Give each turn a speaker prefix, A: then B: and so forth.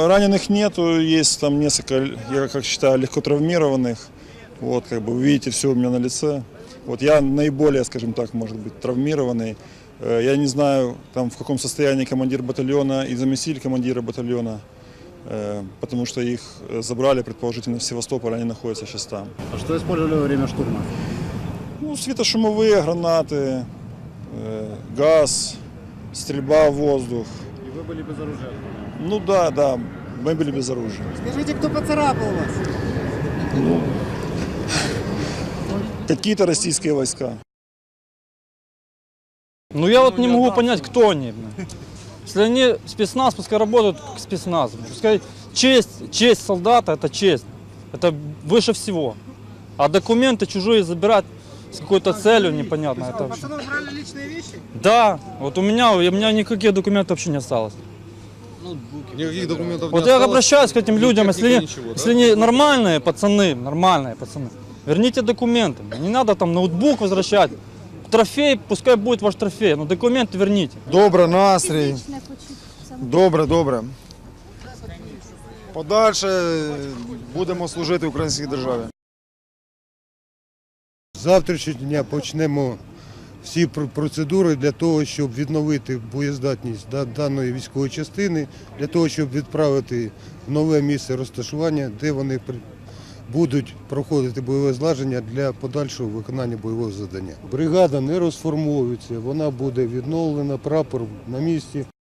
A: Раненых нету, есть там несколько, я как считаю, легко травмированных. Вот, как бы вы видите, все у меня на лице. Вот я наиболее, скажем так, может быть, травмированный. Я не знаю, там, в каком состоянии командир батальона и заместитель командира батальона, потому что их забрали, предположительно, в Севастополь, они находятся сейчас там.
B: А что использовали во время штурма?
A: Ну, светошумовые гранаты, газ, стрельба в воздух.
B: И вы были без оружия?
A: Ну да, мы были без оружия.
B: Скажите, кто поцарапал вас?
A: Какие-то российские войска.
C: Ну я вот не могу понять, кто они. Если они спецназ, пускай работают как спецназ. Пускай честь солдата – это честь. Это выше всего. А документы чужие забирать с какой-то целью непонятно. Это вообще...
B: Пацаны брали личные вещи?
C: Да, вот у меня никаких документов вообще не осталось.
D: Никаких документов
C: Вот
D: не
C: я
D: осталось.
C: обращаюсь к этим людям,
D: Ничего, да?
C: если они нормальные пацаны, верните документы. Не надо там ноутбук возвращать. Трофей, пускай будет ваш трофей, но документы верните.
E: Добре, настрій. Добре. Подальше будемо служити українській державі.
F: З завтрашнього дня почнемо всі процедури для того, щоб відновити боєздатність даної військової частини, для того, щоб відправити в нове місце розташування, де вони будуть проходити бойове злагодження для подальшого виконання бойового завдання. Бригада не розформовується, вона буде відновлена, прапор на місці.